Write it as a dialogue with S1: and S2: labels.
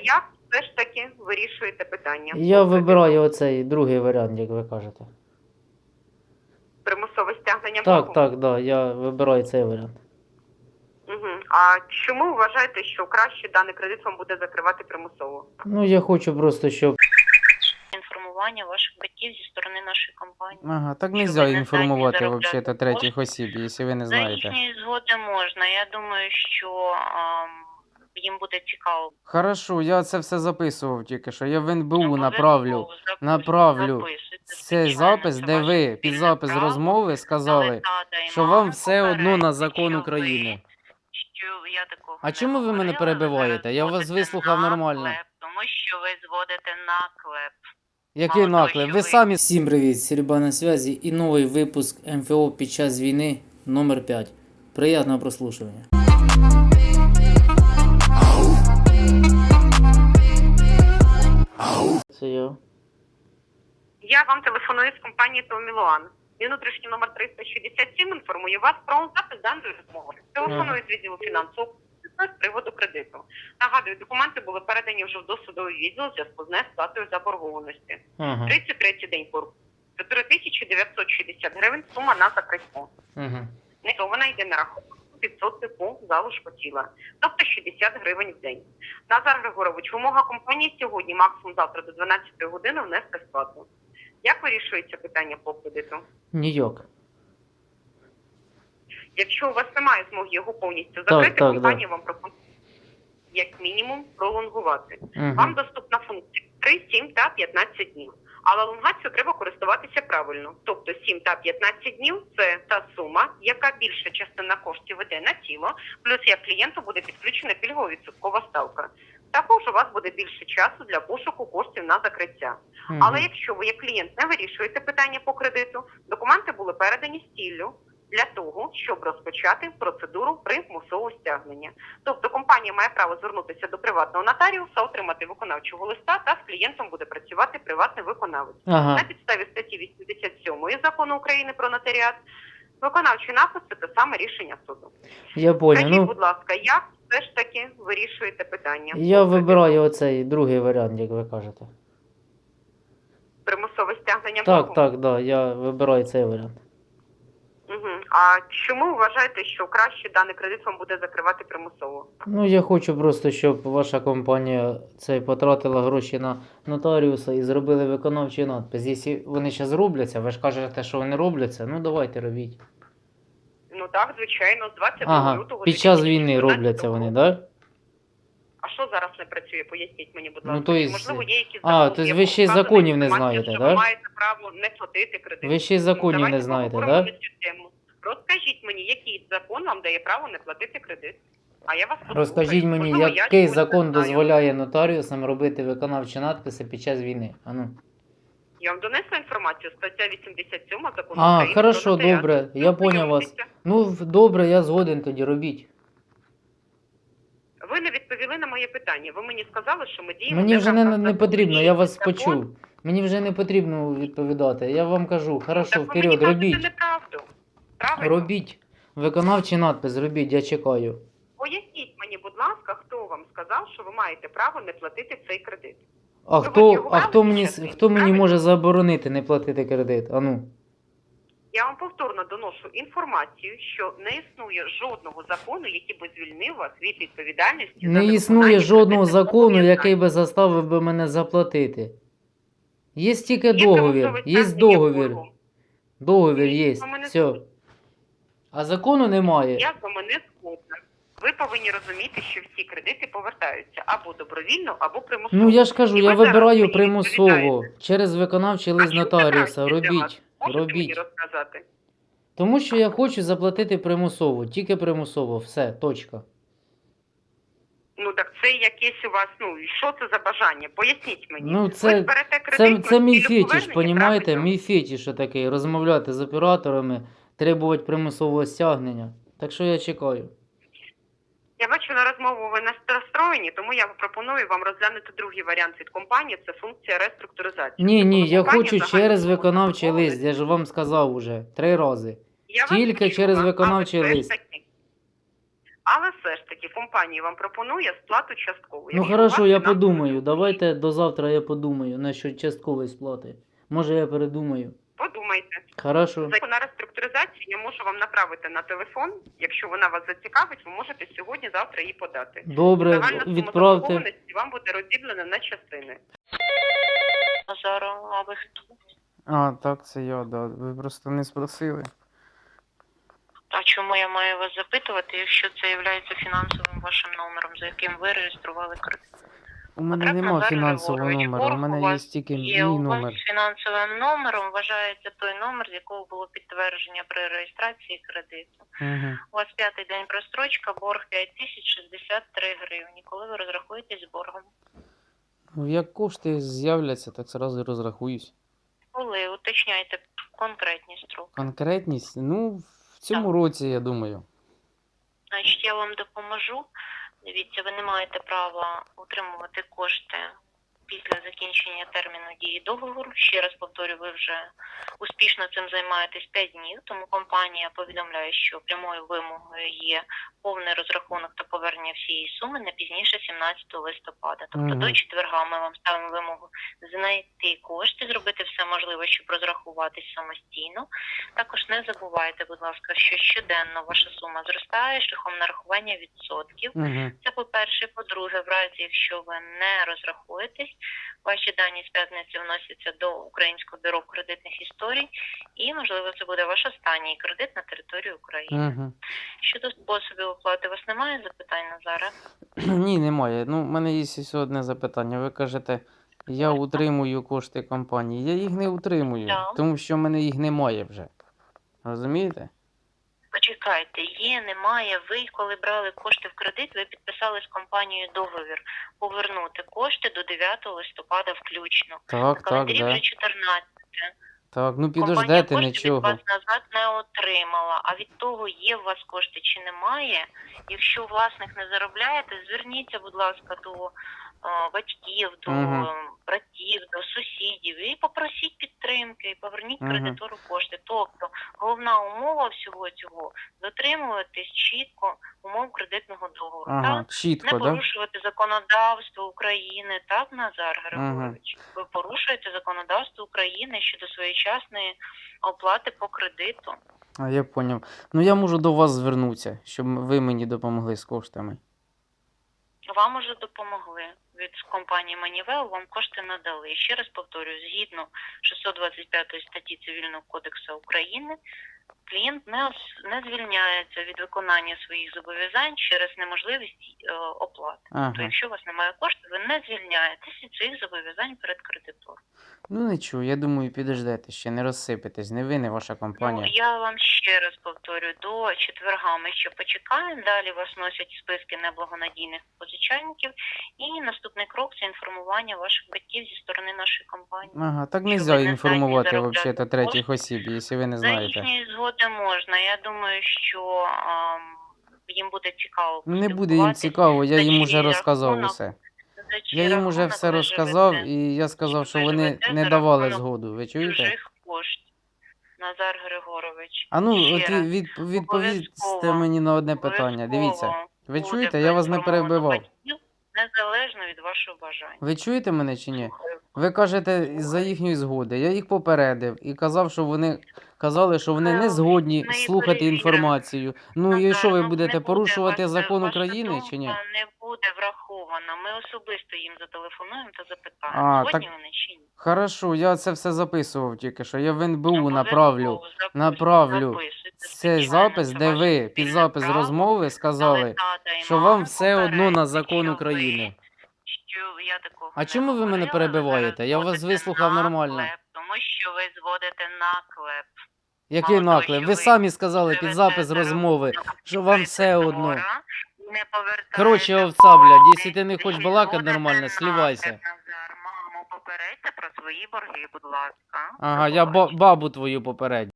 S1: як все ж таки вирішуєте питання?
S2: Я вибираю оцей другий варіант, як ви кажете.
S1: Примусове стягнення
S2: Так,
S1: боргу?
S2: так, да, я вибираю цей варіант.
S1: Угу. А чому вважаєте, що краще даний кредит вам буде закривати примусово?
S2: Ну, я хочу просто, щоб...
S3: Інформування ваших батьків зі сторони нашої компанії.
S4: Ага, так
S3: Що
S4: нельзя
S3: ви не здатні
S4: інформувати
S3: заробляти
S4: вообще-то третіх осіб, якщо ви не
S3: За
S4: знаєте.
S3: їхньої згоди можна. Я думаю, що їм буде цікаво.
S4: Хорошо, я це все записував тільки що. Я в НБУ
S3: Обов'язково
S4: направлю. Направлю цей
S3: звичайно,
S4: запис,
S3: це
S4: де
S3: ваше
S4: ви під
S3: спільне
S4: запис
S3: право.
S4: розмови
S3: Але
S4: сказали,
S3: тата і
S4: що
S3: мама
S4: вам все одно на
S3: попередять,
S4: закон
S3: що
S4: України.
S3: що я такого
S4: А
S3: не
S4: чому ви мене
S3: говорила,
S4: перебиваєте?
S3: зараз
S4: Я вас
S3: зводите
S4: вислухав
S3: на
S4: нормально.
S3: клеп, тому що ви зводите на клеп.
S4: Який
S3: Мало того,
S4: наклеп?
S3: що
S4: Ви
S3: ви-
S4: самі
S2: Всім привіт, Сереба на зв'язі і новий випуск МФО під час війни номер 5. Приятного прослушування. Це я.
S1: Я вам телефоную з компанії Томілуан. Мій внутрішній номер 367 інформує вас про запис даної розмови. Телефоную з відділу фінансового з приводу кредиту. Нагадую, документи були передані вже в досудовий відділ у зв'язку з несплатою заборгованості.
S2: Ага.
S1: 33-й день боргу. 4960 гривень сума на закриття.
S2: Ага.
S1: Вона йде на рахунок відсотки по залишку тіла, тобто 60 гривень в день. Назар Григорович, вимога компанії сьогодні, максимум завтра до 12 години внести сплату. Як вирішується питання по кредиту?
S2: Ніяк.
S1: Якщо у вас немає змоги його повністю закрити,
S2: так,
S1: компанія вам пропонує як мінімум пролонгувати.
S2: Ага.
S1: Вам доступна функція 3, 7 та 15 днів. Але лонгацією треба користуватися правильно. Тобто 7 та 15 днів – це та сума, яка більша частина коштів іде на тіло, плюс як клієнту буде підключена пільгова відсоткова ставка. Також у вас буде більше часу для пошуку коштів на закриття.
S2: Ага.
S1: Але якщо ви як клієнт не вирішуєте питання по кредиту, документи були передані з ціллю для того, щоб розпочати процедуру примусового стягнення. Тобто компанія має право звернутися до приватного нотаріуса, отримати виконавчого листа та з клієнтом буде працювати приватний виконавець.
S2: Ага.
S1: На підставі статті 87 Закону України про нотаріат виконавчий напис – це те саме рішення суду.
S2: Я понял.
S1: Скажіть,
S2: Ну,
S1: будь ласка, як все ж таки вирішуєте питання?
S2: я
S1: по кредиту?
S2: вибираю оцей другий варіант, як ви кажете.
S1: Примусове стягнення
S2: Так,
S1: боргу?
S2: так, да, я вибираю цей варіант.
S1: Угу. А чому вважаєте, що краще даний кредит вам буде закривати примусово?
S2: Ну, я хочу просто, щоб ваша компанія потратила гроші на нотаріуса і зробили виконавчий надпис. Якщо вони ще зробляться, ви ж кажете, що вони робляться, ну давайте робіть.
S1: Ну так, звичайно, з 22
S2: Ага,
S1: лютого.
S2: під час війни
S1: 2014
S2: робляться вони,
S1: року.
S2: так? Да?
S1: А що зараз не працює? Поясніть мені, будь
S2: Ну,
S1: ласка.
S2: то
S1: Чи,
S2: есть-
S1: можливо, є якісь
S2: А,
S1: закони,
S2: то есть
S1: в
S2: ви
S1: якому
S2: ще й
S1: вказана
S2: законів не
S1: інформація,
S2: знаєте,
S1: що
S2: да?
S1: ви маєте право не платити кредит.
S2: Ви ще й законів
S1: Давайте
S2: не знаєте,
S1: поговоримо
S2: так?
S1: на цю тему. Розкажіть мені, який закон вам дає право не платити кредит? А я вас послухаю.
S2: Розкажіть мені,
S1: Можливо, я
S2: який
S1: чогось не
S2: закон
S1: знаю.
S2: дозволяє нотаріусам робити виконавчі надписи під час війни? Ану.
S1: Я вам донесла інформацію, стаття 87 Закону
S2: А,
S1: України
S2: хорошо,
S1: про нотаріат.
S2: добре, я поняв вас.
S1: Знайомтеся.
S2: Ну, добре, я згоден тоді, робіть.
S1: Ви не відповіли на моє питання. Ви мені сказали, що ми діємо...
S2: Мені вже
S1: в
S2: не
S1: рамках закону.
S2: потрібно, я вас
S1: Закон-
S2: почув. Мені вже не потрібно відповідати. Я вам кажу, хорошо,
S1: Так ви мені
S2: вперед,
S1: кажете
S2: робіть.
S1: неправду. Правильно?
S2: Робіть. Виконавчий надпис, робіть, я чекаю.
S1: Поясніть мені, будь ласка, хто вам сказав, що ви маєте право не платити цей кредит?
S2: А
S1: Ви
S2: хто
S1: витягували
S2: мені,
S1: щось,
S2: хто мені
S1: правильно?
S2: може заборонити не платити кредит? Ану.
S1: Я вам повторно доношу інформацію, що не існує жодного закону, який би звільнив вас від відповідальності за
S2: Не існує
S1: невиконання
S2: жодного
S1: кредитних
S2: закону,
S1: зобов'язань.
S2: який би заставив би мене заплатити. Є тільки
S1: Є
S2: договір,
S1: примусове
S2: є
S1: стягнення
S2: договір.
S1: боргу.
S2: Договір є,
S1: Ви мене
S2: все.
S1: слухаєте?
S2: А закону немає.
S1: Я з вами не згодна. Ви повинні розуміти, що всі кредити повертаються або добровільно, або примусово.
S2: Ну я ж кажу,
S1: І
S2: я
S1: ви зараз
S2: вибираю
S1: мені
S2: примусово.
S1: відповідаєте.
S2: Через виконавчий
S1: А
S2: лист
S1: чому це
S2: нотаріуса.
S1: краще для вас?
S2: Робіть.
S1: Можете мені
S2: Робіть.
S1: розказати?
S2: Тому що я хочу заплатити примусово. Тільки примусово. Все, точка.
S1: Ну так це якесь у вас, ну і що це за бажання? Поясніть мені.
S2: Ну
S1: Ви
S2: це,
S1: зберете кредит
S2: це
S1: на
S2: мій
S1: цілю
S2: фетиш,
S1: повернення,
S2: понімаєте?
S1: правильно?
S2: Мій фетиш такий. Розмовляти з операторами, требувати примусового стягнення. Так що я чекаю.
S1: Я бачу, на розмову ви настроєні, тому я пропоную вам розглянути другий варіант від компанії, це функція реструктуризації.
S2: Ні,
S1: Тобто
S2: я
S1: компанія
S2: хочу
S1: загального
S2: через виконавчий
S1: замовлення.
S2: лист. Я ж вам сказав уже 3 рази.
S1: Я вас
S2: Тільки
S1: почула,
S2: через
S1: але
S2: виконавчий
S1: все ж
S2: лист.
S1: таки Але все ж таки компанія вам пропонує сплату часткову.
S2: Ну
S1: Якщо у
S2: хорошо,
S1: вас
S2: я
S1: фінансовий
S2: подумаю.
S1: стан.
S2: Давайте до завтра я подумаю насчет часткової сплати. Може я передумаю.
S1: Подумайте.
S2: Хорошо.
S1: Заявку на реструктуризацію я можу вам направити на телефон. Якщо вона вас зацікавить, ви можете сьогодні-завтра її подати.
S2: Добре,
S1: Загальна сума
S2: відправте.
S1: заборгованості вам буде розділена на частини.
S3: Назару, а ви хто?
S4: А, так, це я, да. Ви просто не спросили.
S3: А чому я маю вас запитувати, якщо це є фінансовим вашим номером, за яким ви реєстрували кредит?
S4: У мене
S3: Потрібно
S4: нема
S3: зараз
S4: фінансового
S3: Григорович,
S4: номеру, у
S3: борг у
S4: мене є
S3: вас
S4: тільки
S3: Є
S4: мій
S3: у вас
S4: номер.
S3: фінансовим номером вважається той номер, з якого було підтвердження при реєстрації кредиту.
S4: Угу.
S3: У вас 5-й день прострочка, борг 5063 гривні. Коли ви розрахуєтесь з боргом?
S4: Ну, як кошти з'являться, так зразу розрахуюсь.
S3: Коли? Уточняйте конкретні строки.
S4: Конкретність? Ну, в цьому
S3: Так.
S4: році, я думаю.
S3: Значить, я вам допоможу. Дивіться, ви не маєте права утримувати кошти після закінчення терміну дії договору. Ще раз повторю, ви вже успішно цим займаєтесь 5 днів, тому компанія повідомляє, що прямою вимогою є повний розрахунок та повернення всієї суми не пізніше 17 листопада. Тобто
S4: Мгм.
S3: до четверга ми вам ставимо вимогу знайти кошти, зробити все можливе, щоб розрахуватись самостійно. Також не забувайте, будь ласка, що щоденно ваша сума зростає шляхом нарахування відсотків.
S4: Угу.
S3: Це по-перше. По-друге, в разі, якщо ви не розрахуєтесь, ваші дані з п'ятниці вносяться до Українського бюро кредитних історій і, можливо, це буде ваш останній кредит на території України.
S4: Угу.
S3: Щодо способів оплати, у вас немає запитань, Назаре?
S4: Ні, немає. Ну, в мене є ще одне запитання. Ви кажете, я утримую кошти компанії. Я їх не утримую,
S3: Так.
S4: тому що в мене їх немає вже. Розумієте?
S3: Почекайте, є, немає. Ви, коли брали кошти в кредит, ви підписали з компанією договір повернути кошти до 9 листопада включно.
S4: Так,
S3: На
S4: так,
S3: календарі
S4: да.
S3: вже 14.
S4: Так, ну
S3: Компанія
S4: підождете
S3: кошти від
S4: нічого.
S3: вас назад не отримала. А від того, є у вас кошти чи немає. Якщо власник не заробляє, то зверніться, будь ласка, до батьків, до
S4: Мгм.
S3: братів, до сусідів і попросіть підтримки, і поверніть
S4: Мгм.
S3: кредитору кошти. Тобто головна умова всього цього дотримуватись чітко умов кредитного договору.
S4: Ага,
S3: Так?
S4: чітко,
S3: Не
S4: да?
S3: порушувати законодавство України, так, Назар Григорович? Ви порушуєте законодавство України щодо своєчасної оплати по кредиту.
S4: А я поняв. Ну я можу до вас звернутися, щоб ви мені допомогли з коштами.
S3: Вам уже допомогли. Від компанії Манівел вам кошти надали. І ще раз повторюю, згідно 625 статті Цивільного кодексу України, клієнт не звільняється від виконання своїх зобов'язань через неможливість оплати. То
S4: Ага.
S3: якщо у вас немає коштів, ви не звільняєтесь від своїх зобов'язань перед кредитором.
S4: Ну нічого, я думаю, підождете ще, не розсипетесь, не ви, не ваша
S3: Ну,
S4: компанія.
S3: я вам ще раз повторюю, до четверга ми ще почекаємо, далі вас носять списки неблагонадійних позичальників, і наступний крок – це інформування ваших батьків зі сторони нашої компанії.
S4: Ага, так
S3: Що
S4: нельзя
S3: ви не
S4: інформувати
S3: здатні
S4: взагалі
S3: заробляти
S4: третіх
S3: кошти.
S4: осіб, якщо ви не
S3: За
S4: знаєте.
S3: їхньої згоди можна. Я думаю, що їм буде цікаво
S4: Не буде їм
S3: поспілкуватись.
S4: цікаво, я
S3: за
S4: їм
S3: чий
S4: уже розказав
S3: рахунок,
S4: усе.
S3: за чий
S4: Я їм уже
S3: рахунок
S4: все
S3: ви
S4: розказав,
S3: живете,
S4: і я сказав, що
S3: ви
S4: вони
S3: живете
S4: не
S3: за
S4: давали
S3: рахунок
S4: згоду. Ви чуєте?
S3: чужих коштів. Назар Григорович.
S4: А ну,
S3: ще
S4: от
S3: раз.
S4: відповісте
S3: Обов'язково.
S4: мені на одне питання. Дивіться.
S3: Обов'язково
S4: Ви
S3: буде
S4: чуєте? Я вас не
S3: проінформовано
S4: перебивав.
S3: батьків, незалежно від вашого бажання.
S4: Ви чуєте мене чи ні?
S3: Слухаю.
S4: Ви кажете за їхньої згоди. Я їх попередив і казав, що вони казали, що вони не згодні
S3: Ми
S4: слухати
S3: перевіримо.
S4: інформацію. Ну і
S3: Назар,
S4: що ви
S3: не
S4: будете
S3: буде
S4: порушувати
S3: ваша-
S4: закон
S3: ваша
S4: України чи ні?
S3: думка не буде врахована. Ми особисто їм зателефонуємо та запитаємо,
S4: А,
S3: згодні
S4: так-
S3: вони чи ні.
S4: Хорошо, я це все записував тільки що. Я в НБУ
S3: Обов'язково
S4: направлю. направлю
S3: записуйте,
S4: цей
S3: звичайно,
S4: запис,
S3: це
S4: де
S3: ваше
S4: ви під
S3: спільне
S4: запис
S3: право.
S4: розмови
S3: Але
S4: сказали,
S3: тата і
S4: що
S3: маму
S4: вам все одно на
S3: попередьте,
S4: закон
S3: що
S4: України.
S3: що я такого
S4: А
S3: не
S4: чому ви мене
S3: говорила,
S4: перебиваєте?
S3: ви
S4: Я
S3: зараз
S4: вас
S3: зводите
S4: вислухав
S3: на
S4: нормально.
S3: клеп, тому що ви зводите наклеп.
S4: Який
S3: Мало того,
S4: наклеп?
S3: що
S4: Ви
S3: ви
S4: самі сказали під
S3: живете
S4: запис
S3: за
S4: розмови,
S3: рахунок
S4: що вам все одно.
S3: кредитора, не повертаєте
S4: Коротше, овца, блядь,
S3: кошти,
S4: якщо ти не хочеш
S3: і
S4: балакати
S3: зводите
S4: нормально, слівайся.
S3: наклеп, Назар. Маму, попередьте про свої борги, будь ласка.
S4: Ага,
S3: До
S4: я
S3: побачення.
S4: бабу твою попередню.